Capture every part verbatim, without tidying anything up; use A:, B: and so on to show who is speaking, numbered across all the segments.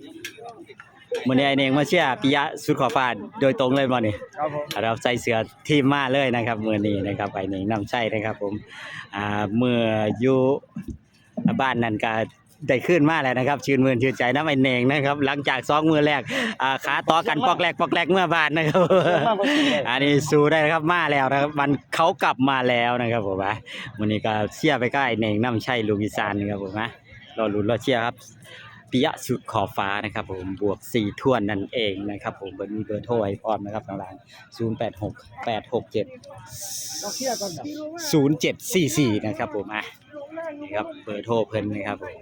A: มื้อนี้ไอ้เน่งมาเชียร์ปิยะสุดขอบฟ้าโดยตรงเลยบ่นี่
B: ครับผม
A: เราใส่เสื้อทีมมาเลยนะครับมื้อนี้นะครับไอ้เน่งนำใช้นะครับผมอ่าเมื่ออยู่บ้านนั่นก็ได้ขึ้นมาแล้วนะครับชื่นมื่นชื่นใจน้ำไอ้เน่งนะครับหลังจากสองมือแรกอ่าขาต่อกันปอกแรกปอกแรกเมื่อบ้านนะครับอันนี้สู้ได้นะครับมาแล้วนะครับมันเขากลับมาแล้วนะครับผมนะมื้อนี้ก็เชียร์ไปก็ไอ้เน่งนำใช้ลูกอีสานนะครับผมนะรอลุ้นรอเชียร์ครับปิยะสุดขอบฟ้านะครับผมบวกสี่ท่วนนั่นเองนะครับผมมีเบอร์โทรไว้พร้อมนะครับทางร้านศูนย์ แปด หก แปด หก เจ็ด ศูนย์ เจ็ด สี่ สี่นะครับผมอ่ะนี่ครับเบอร์โทรเพิ่นนะครับผม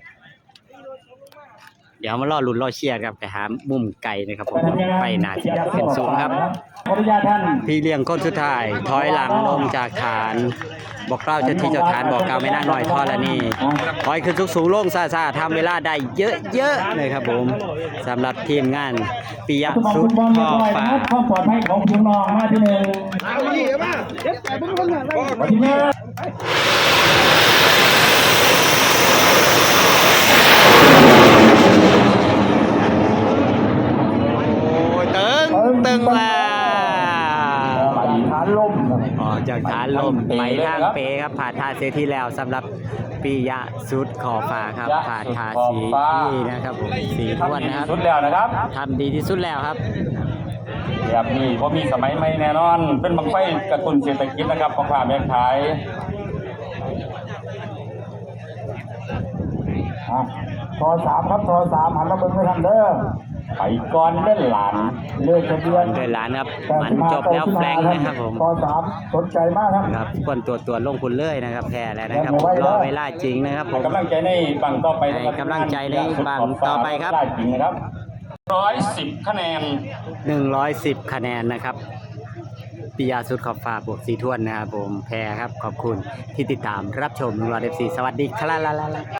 A: เดี๋ยวมารอลุ้นรอเชียร์ครับไปหามุมไก่นะครับผมไปหนาที่เป็นศูนย์ครับพี่เลี้ยงคนสุดท้ายถอยหลังลงจากฐานบอกเล่าเจ้าที่เจ้าฐานบอกกล่าวไม่น่าหน่อยทอละนี่ถอยขึ้นสูงๆลงซาๆทำเวลาได้เยอะๆเลยครับผมสำหรับทีมงานปิยะสุดขอบฟ้า
C: ความปลอดภัยของพี่น้องมาที่หนึ่งมาที่หนึ่ง
A: ตึงแล้ว
C: ไปฐานลม
A: ออกจากฐานลมไปทางเปครับผ่านทาเซที่แล้วสำหรับปิยะสุดขอบฟ้าครับผ่านทาสีที่นะครับผมสีท้วนนะครับ
C: สุดแล้วนะครับ
A: ทำดีที่สุดแล้วครับ
C: แบบนี้เพราะมีสมัยใหม่แน่นอนเป็นบังไฟกระตุ้นเศรษฐกิจนะครับของข้าแม่ขายทอสามครับทอสามหันมาเบิ่งไปทางเด้อไปก่อนเล่นหลานเลือกทะเบียน
A: เดินหลานครับมันจบแล้วแฟลงนะครับผม
C: ทอสามสนใจมากครับ
A: ครับควรตัวตัวลงคุณเลยนะครับแพ้แล้วนะครับรอเวลาจริงนะครับผม
C: กำลังใจในบังต่อไป
A: กำลังใจในบังต่อไปครับ
C: จริงนะครับร้อยสิบคะแนน
A: หนึ่งร้อยสิบคะแนนนะครับปิยะสุดขอบฟ้าบวกสีท้วนนะครับผมแพ้ครับขอบคุณที่ติดตามรับชมรอเอฟซีสวัสดีครับ